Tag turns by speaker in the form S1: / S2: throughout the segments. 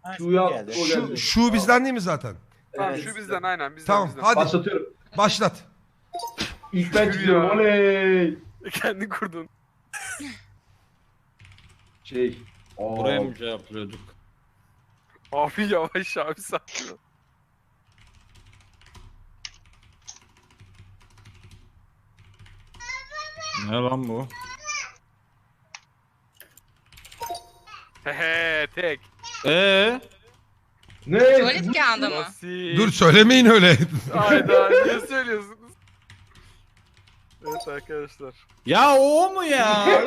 S1: Şu'ya o geldi.
S2: Şu bizden değil mi zaten?
S3: Tamam
S1: Evet.
S3: şu bizden aynen bizden
S2: Tamam
S3: bizden.
S2: hadi
S1: Başlatıyorum.
S2: başlat.
S1: İlk ben
S3: Şükür
S1: çiziyorum.
S3: ya.
S1: Oley.
S3: Kendin kurdun.
S1: Şey.
S4: Buraya mı şey yapıyorduk?
S3: Abi yavaş abi sakin ol.
S4: Ne lan bu?
S3: Hehe tek.
S1: Ne?
S5: Tuvalet kağıdı mı?
S3: Basit.
S2: Dur söylemeyin öyle.
S3: Hayda niye söylüyorsunuz? Evet arkadaşlar.
S4: Ya o mu ya?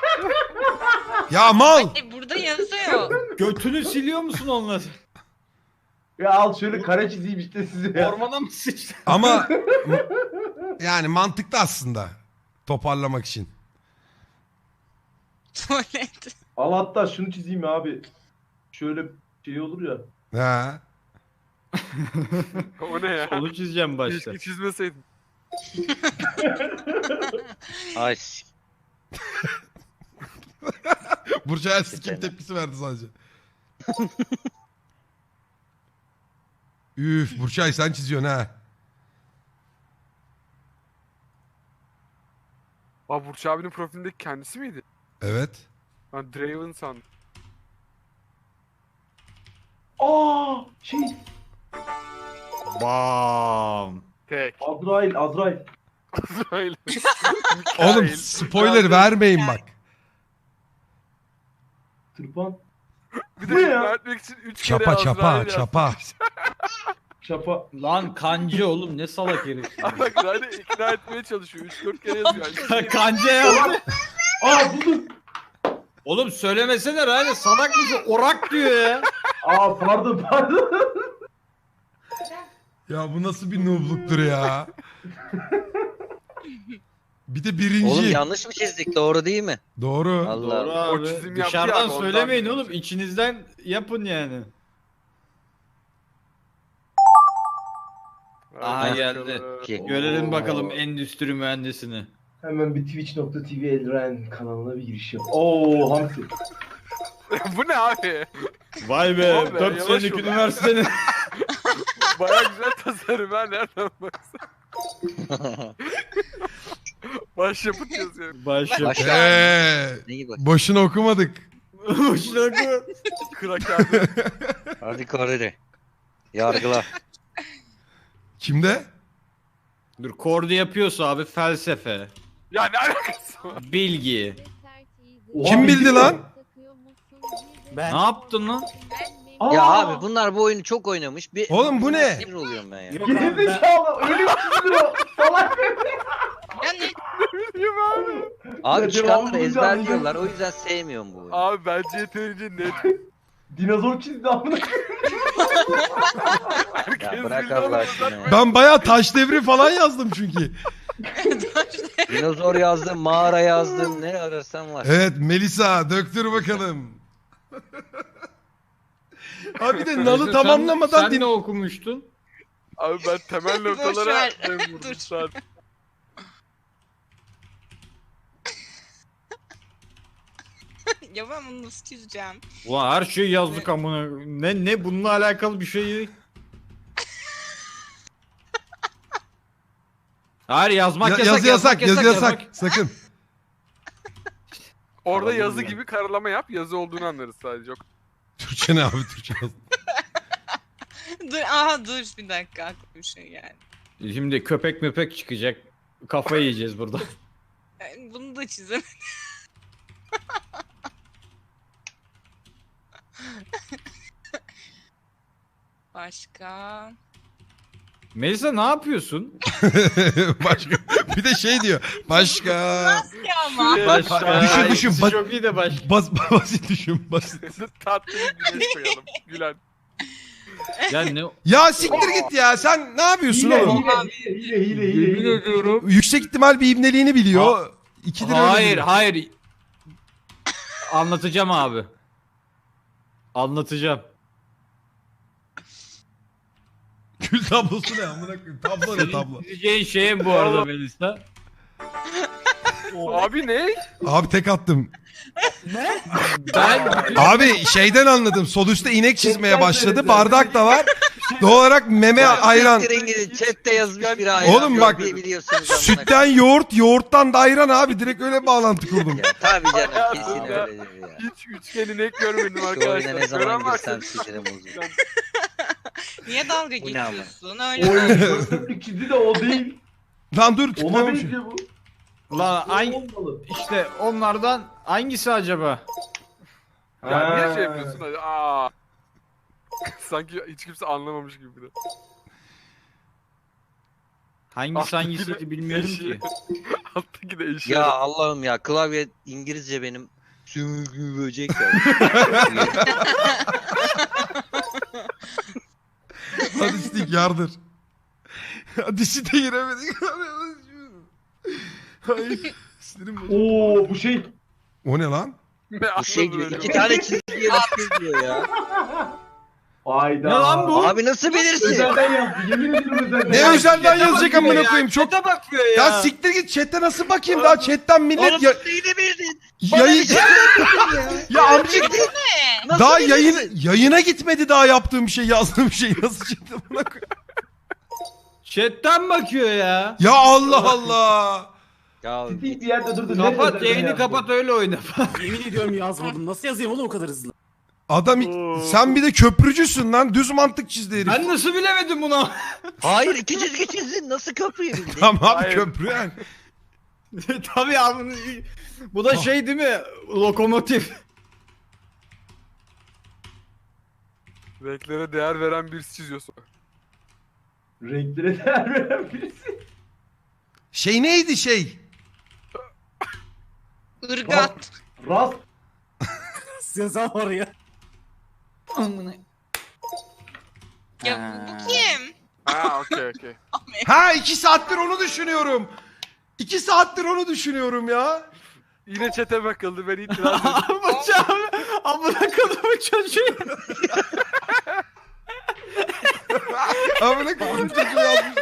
S2: Ya mal.
S5: Burada yazıyor.
S4: Götünü siliyor musun onunla?
S1: Ya al şöyle kare çizeyim işte size ya.
S4: Ormana mı sıçtın?
S2: Ama yani mantıklı aslında. Toparlamak için.
S5: Tuvalet.
S1: Al hatta şunu çizeyim abi. Şöyle şey olur ya.
S2: Ha.
S3: O ne ya?
S4: Onu çizeceğim başta.
S3: Keşke çizmeseydin.
S6: Ay
S2: Burçay sikim tepkisi verdi sadece. Üf Burçay sen çiziyorsun ha.
S3: Aa Burç abinin profilindeki kendisi miydi?
S2: Evet.
S3: Ben Draven sandım.
S1: Aa şey.
S4: Bam.
S3: Tek.
S1: Azrail.
S3: Azrail.
S2: Oğlum
S3: Mikail.
S2: spoiler vermeyin bak.
S1: Tırpan.
S3: Bir
S1: Bu
S3: de
S1: ne ya?
S3: ikna etmek için 3 kere
S2: Çapa
S3: Azrail
S2: çapa
S3: yazdım.
S2: çapa.
S1: Çapa.
S4: Lan kancı oğlum ne salak herif.
S3: Ama bak zaten ikna etmeye çalışıyor. 3-4 kere yazıyor.
S4: Kanca yaptı.
S1: Aa buldum.
S4: Oğlum söylemesene Rayne salak mısın? Orak diyor ya.
S1: Aa pardon.
S2: Ya bu nasıl bir noobluktur ya. Bir de birinci.
S6: oğlum yanlış mı çizdik? Doğru değil mi?
S2: Doğru.
S6: Allah
S4: Doğru
S6: Allah.
S4: abi.
S3: çizim yaptı
S4: Dışarıdan
S3: yani, ondan
S4: söylemeyin
S3: biliyorum.
S4: oğlum. İçinizden yapın yani. Aha geldi.
S6: Ki.
S4: Görelim
S1: Oo.
S4: bakalım endüstri mühendisini.
S1: Hemen bir twitch.tv Elren kanalına bir giriş yap. Oo hamsi.
S3: Bu ne abi?
S4: Vay be.
S3: Abi,
S4: 4
S3: yavaş
S4: senelik
S3: ol.
S4: üniversitenin.
S3: Baya güzel tasarım ha nereden baksan. Başyapıt yazıyor.
S4: Baş
S6: Baş- Neyi bak?
S2: Boşuna okumadık.
S4: Boşuna koy.
S3: Kraker.
S6: Hadi Koreli. Yargıla.
S2: Kimde?
S4: Dur kordu yapıyorsa abi felsefe,
S3: Ya ne alakası var?
S4: bilgi.
S1: Oha,
S2: Kim bildi lan?
S4: Ne yaptın lan?
S1: Aa!
S6: Ya abi bunlar bu oyunu çok oynamış. Bir
S2: Oğlum bu ne?
S6: Sinir oluyorum ben ya.
S1: Gerizekalı öyle mi çiziyor? Salak.
S5: Ya ne?
S3: Bilmiyorum abi.
S6: Abi
S1: Ya,
S6: çıkanları
S1: devamlı
S6: ezberliyorlar. O yüzden sevmiyorum bu oyunu.
S3: Abi bence yeterince net.
S1: Dinozor çizdi amına.
S6: Ya bırak Allah aşkına ya.
S2: Ben bayağı taş devri falan yazdım çünkü.
S6: Dinozor yazdım, mağara yazdım. Ne ararsan var.
S2: Evet Melisa döktür bakalım. Abi de nalı tamamlamadan
S4: Sen ne okumuştun?
S3: Abi ben temel
S5: Boş
S3: noktalara
S5: ver.
S3: dem vurdum
S5: Dur.
S3: zaten.
S5: Ya ben bunu nasıl çizeceğim?
S4: Ulan her şeyi yazdık amına. Ne bununla alakalı bir şey. Hayır yazmak yasak.
S2: Yazı yasak, yazı yasak. Sakın.
S3: Orada
S1: Anladım
S3: yazı
S1: ya.
S3: gibi karalama yap. Yazı olduğunu anlarız sadece.
S2: Türkçe ne abi Türkçe yaz.
S5: Dur bir dakika aklıma bir şey geldi.
S4: Şimdi köpek möpek çıkacak. Kafayı yiyeceğiz burada.
S5: Bunu da çizemedim. Başka.
S4: Melisa ne yapıyorsun?
S2: Başka. Bir de şey diyor. Başka.
S5: Ya ama.
S2: Düşün, düşün.
S4: İkisi çok iyi de baş.
S2: Basit düşün basit.
S3: Tatlı bir güneş koyalım. Gülen.
S4: Ya ne?
S2: Ya siktir git ya. Sen ne yapıyorsun
S1: Hile
S2: oğlum?
S1: hile.
S4: ediyorum.
S2: Yüksek ihtimal bir ibneliğini biliyor. İkidir öyle
S4: Hayır
S2: biliyor.
S4: hayır. Anlatacağım abi. Anlatacağım.
S2: Kül tablosu ne amına koyayım? Tablo ne tablo?
S4: Çizeceğin şey bu arada Melisa.
S3: Abi ne?
S2: Abi tek attım.
S4: Ben
S2: Abi şeyden anladım. Sol üstte inek çizmeye başladı. Bardak da var. Doğal olarak meme ayran.
S6: Siktirin gidin. Chatte yazmış biri ayran.
S2: Oğlum bak,
S6: biliyorsunuz amına
S2: Sütten yoğurt, yoğurttan da ayran abi. Direkt öyle bağlantı kurdum.
S6: koyayım. Ya, tabii canım kesin
S3: Hayatımda
S6: öyledir ya.
S3: Hiç üçgen inek görmedim
S6: Şu
S3: arkadaşlar.
S6: oyuna ne zaman
S3: Gören varsa
S6: girsem sinirim bozulur.
S5: Niye dalga
S6: Bu ne ama?
S5: geçiyorsun? Öyle
S1: Oy dörtlük çizdi de o değil.
S2: Lan dur
S1: Ona
S2: tıklıyormuş.
S1: benziyor bu.
S4: Lan
S1: O olmalı.
S4: işte onlardan hangisi acaba?
S3: Ya niye
S1: Ha.
S3: şey yapıyorsun hadi? Aa. Sanki hiç kimse anlamamış gibi bir de.
S4: Hangisi
S3: Alttaki
S4: hangisiydi
S3: de
S4: bilmiyorum
S3: eşeği.
S4: ki.
S3: Alttaki de eşi.
S6: Ya Allah'ım ya klavye İngilizce benim sümüklü böcek ya.
S2: Hadi Stik yardır. Hadi Stik'e giremedik. Hayır. Sinirim bozuldu.
S1: Oo bu şey.
S2: O ne lan?
S6: Bu şey gibi iki tane çizgiye bakıyor ya.
S1: Ayda.
S4: Ne lan bu?
S6: Abi nasıl bilirsin?
S1: Özelden yazdı. Yemin ederim özelden
S2: Ne
S1: yazdı.
S2: özelden yazacak amına koyayım? Çok
S4: Chat'e bakıyor ya.
S2: ya siktir git chat'e nasıl bakayım daha chatten millet
S6: Oğlum
S2: ya,
S6: neyini bildin?
S2: yayın ya amcık
S5: ne?
S6: Nasıl
S2: daha
S6: bilirsin?
S2: yayına gitmedi daha yaptığım şey yazdığım şey nasıl chat'e amına koyayım?
S4: Chat'ten bakıyor ya.
S2: Ya Allah Allah.
S6: Ya
S1: Stik bir yerde durdu.
S4: Kapat
S1: Özelden
S4: yayını
S1: yazdı.
S4: kapat öyle oyna.
S7: Yemin ediyorum yazmadım. Nasıl yazayım oğlum o kadar hızlı?
S2: Adam sen bir de köprücüsün lan düz mantık çizdi herif.
S4: Ben nasıl bilemedim bunu?
S6: Hayır iki çizgi çizdin nasıl köprüyü bildin?
S2: Tamam abi
S3: Hayır.
S2: köprü yani.
S4: Tabii abi. Bu da şey değil mi? Lokomotif.
S3: Renklere değer veren birisi çiziyorsun.
S1: Renklere değer veren birisi.
S2: Şey neydi şey?
S5: Irgat.
S1: Rast.
S7: Yazan var ya.
S5: Ya bu kim?
S3: Ha okey.
S2: Ha 2 saattir onu düşünüyorum. 2 saattir onu düşünüyorum ya.
S3: Yine çete bakıldı ben itiraz ettim.
S4: Bacağım. Amına kodumun çocuğu.
S2: Amına koyayım çocuğu yazmış.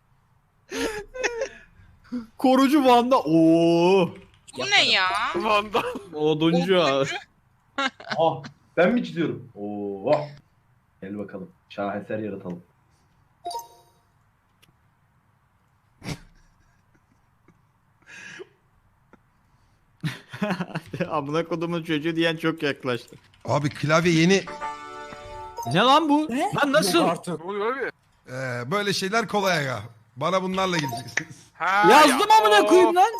S4: Korucu Van'da. Oo.
S5: Bu ne ya?
S3: Vandal.
S4: Oduncu abi.
S1: Ah ben mi çiziyorum? Oo. Gel bakalım. Şaheser yaratalım.
S4: Amına kodumun çocuğu diyen çok yaklaştı.
S2: Abi klavye yeni.
S4: Ne lan bu?
S7: Ne?
S4: Lan nasıl?
S7: Yok artık.
S3: Ne oluyor abi?
S2: Böyle şeyler kolay aga. Bana bunlarla gireceksiniz.
S3: Ha,
S4: Yazdım amına koyayım lan.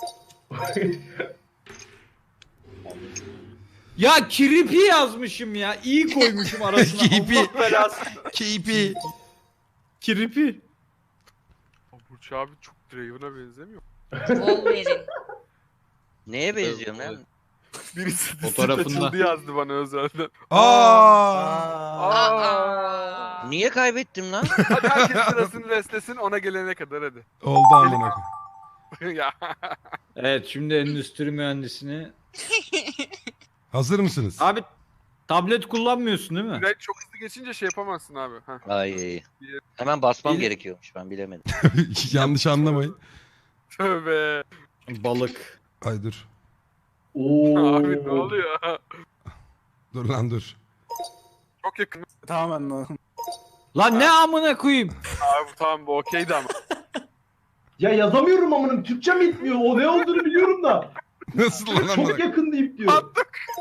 S4: Ya kirpi yazmışım ya. İyi koymuşum arasına.
S2: Kirpi.
S4: Allah belası.
S2: Keyfi.
S4: Kirpi.
S3: Burç abi çok Draven'a benzemiyor.
S5: Wolverine.
S6: Neye benziyorum lan?
S3: Birisi
S4: Fotoğrafında.
S3: açıldı yazdı bana özelden.
S2: Aa.
S5: Aa.
S6: Niye kaybettim lan?
S3: Hadi herkes sırasını restlesin ona gelene kadar hadi.
S2: Oldu amına koyayım.
S3: Ya.
S4: Evet şimdi endüstri mühendisini.
S2: Hazır mısınız?
S4: Abi tablet kullanmıyorsun değil mi?
S3: Ben çok hızlı geçince şey yapamazsın abi. Heh.
S6: Ay. Hemen basmam
S4: İyi.
S6: gerekiyormuş ben bilemedim.
S2: Yanlış anlamayın.
S3: Tövbe.
S4: Balık.
S2: Ay dur.
S1: Oo.
S3: Abi ne oluyor?
S2: Dur lan dur.
S3: Çok yakın.
S7: Tamamen lan.
S4: Lan ne amına koyayım?
S3: Abi tamam bu okeydi ama.
S1: Ya yazamıyorum amınım. Türkçem yetmiyor. O ne olduğunu biliyorum da.
S2: Nasıl lan amına
S1: Çok
S2: koyayım?
S1: yakın deyip diyor.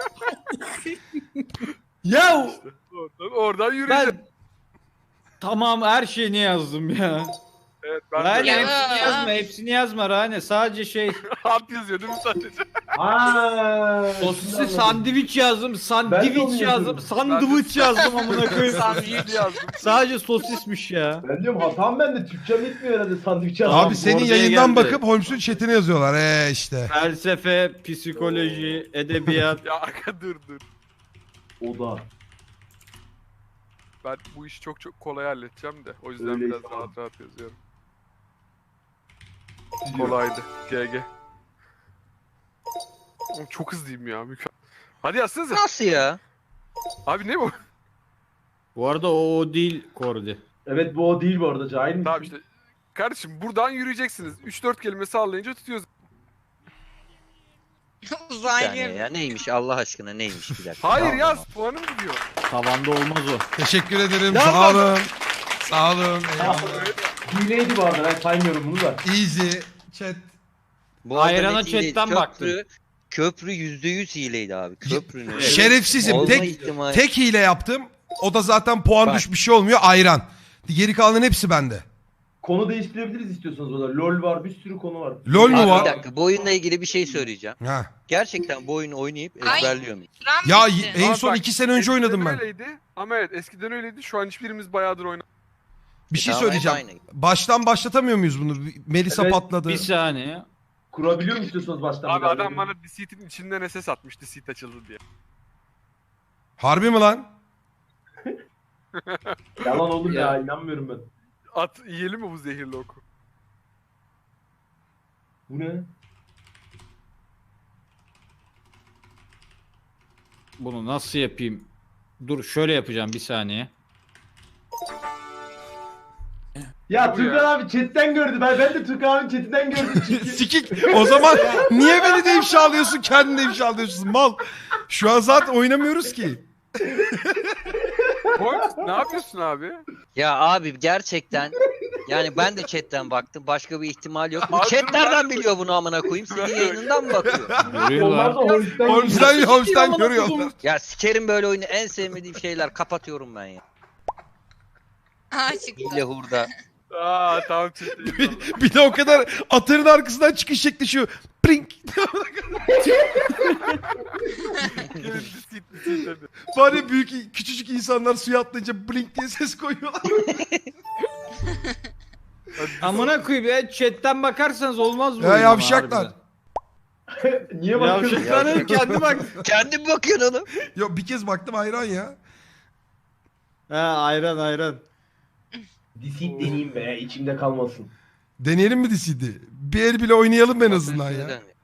S4: Ya
S3: Oradan yürüyeceğim.
S4: ben tamam her şeyini yazdım ya.
S3: Evet ben
S4: Rane
S3: de.
S5: Ya.
S4: hepsini yazma, hepsini yazma Rane. Sadece şey
S3: Alt yazıyor değil mi sadece?
S1: Aa.
S4: sosisli sandviç yazdım,
S1: Ben de
S4: sandviç
S1: onu
S4: yazdım,
S1: yazıyorum.
S4: sandviç yazdım amına koyayım.
S3: Sandviç yazdım.
S4: Sadece sosismiş ya.
S1: Ben diyorum hatam bende. Türkçem yetmiyor herhalde sandviç yazmam.
S2: Abi senin
S4: oraya
S2: yayından
S4: geldi.
S2: bakıp Holmes'un chatine yazıyorlar. İşte.
S4: Felsefe, psikoloji, edebiyat.
S3: Ya arka dur.
S1: O da.
S3: Ben bu işi çok kolay halledeceğim de. O yüzden
S1: Öyle
S3: biraz
S1: tamam.
S3: rahat yazıyorum. Kolaydı. GG. Oğlum çok hızlıyım ya. Mükemmel. Hadi yazsanıza.
S6: Nasıl ya?
S3: Abi ne bu?
S4: Bu arada o değil Kordi.
S1: Evet bu o değil bu arada. Cahil misin?
S3: Tamam işte. Kardeşim buradan yürüyeceksiniz. 3-4 kelime sallayınca tutuyoruz.
S6: Bir saniye
S5: Uzaylı.
S6: ya neymiş Allah aşkına neymiş bir dakika.
S3: Hayır
S6: Tamam,
S3: yaz
S6: tamam.
S3: puanım gidiyor.
S4: Tavanda olmaz o.
S2: Teşekkür ederim.
S4: Ya
S2: Sağ olun. Sağ olun.
S1: Ha,
S2: Eyvallah.
S1: hileydi bu arada ben saymıyorum bunu da.
S2: Easy. Chat.
S6: Bu arada
S4: Ayrana
S6: net hileydi.
S4: chatten baktım.
S6: Köprü %100 hileydi abi. Köprünün.
S2: Şerefsizim.
S6: Olma
S2: Tek
S6: ihtimali-
S2: tek hile yaptım. O da zaten puan
S6: Bak.
S2: düş bir şey olmuyor. Ayran. Geri kalanın hepsi bende.
S1: Konu değiştirebiliriz istiyorsanız o da. LOL var bir sürü konu var.
S2: LOL mu
S6: Abi
S2: var?
S6: bir dakika bu oyunla ilgili bir şey söyleyeceğim.
S2: Ha.
S6: Gerçekten bu oyunu oynayıp
S5: Ay.
S6: ezberliyor muyum?
S5: Süren
S2: Ya
S5: bitti.
S2: en
S3: Abi
S2: son
S3: bak,
S2: 2 sene önce oynadım
S3: eskiden
S2: ben.
S3: Öyleydi. Ama evet eskiden öyleydi. Şu an hiçbirimiz bayağıdır oynamıyoruz.
S2: Bir şey
S6: Tamam,
S2: söyleyeceğim.
S6: hep aynı.
S2: Baştan başlatamıyor muyuz bunu? Melisa
S1: Evet,
S2: patladı.
S4: Bir saniye.
S1: Kurabiliyor mu istiyorsanız baştan?
S3: Abi
S1: bir
S3: adam
S1: daha?
S3: bana Deceit'in içinden SS atmış Deceit açıldı diye.
S2: Harbi mi lan?
S1: Yalan olur ya.
S4: Ya.
S1: inanmıyorum ben.
S3: At yiyelim mi bu zehirli oku?
S1: Bu ne?
S4: Bunu nasıl yapayım? Dur şöyle yapacağım bir saniye.
S1: Ya
S3: Bu
S1: Türkan
S3: ya.
S1: abi chatten gördü. Ben de Türkan abinin chatinden gördüm çünkü.
S2: Sikik. O zaman niye beni de ifşa alıyorsun? Kendini de ifşa alıyorsun mal. Şu an zaten oynamıyoruz ki.
S3: Koy. Ne yapıyorsun abi?
S6: Ya abi gerçekten yani ben de chatten baktım. Başka bir ihtimal yok. Bu
S3: Abi
S6: chat
S3: dur
S6: nereden
S3: ben-
S6: biliyor bunu amına koyayım? Senin yayınından mı bakıyor?
S1: Onlar
S4: Görüyorlar.
S1: da Holmes'ten
S2: Holmes'ten görüyorlar.
S6: Ya sikerim böyle oyunu en sevmediğim şeyler. Kapatıyorum ben ya.
S5: Aa çıktı.
S6: Hile hurda.
S3: Aa tamam çıktı.
S2: Bir de o kadar atırın arkasından çıkış şekli şu. Prink.
S3: Deceit dedi.
S2: Var ya büyük küçücük insanlar suya atlayınca blink diye ses koyuyorlar.
S4: Amına koyayım ya chatten bakarsanız olmaz bu.
S2: Ya
S4: oyun ama
S2: yavşaklar.
S4: harbiden.
S1: Niye bakıyorsun?
S4: Yavşaklar kendi bak.
S6: Kendi mi bakıyorsun oğlum?
S2: Yok bir kez baktım hayran ya.
S4: Ha ayran ayran.
S1: Deceit deneyeyim be. içimde kalmasın.
S2: Deneyelim mi DC'di? Bir el bile oynayalım en azından ya.
S6: Neden?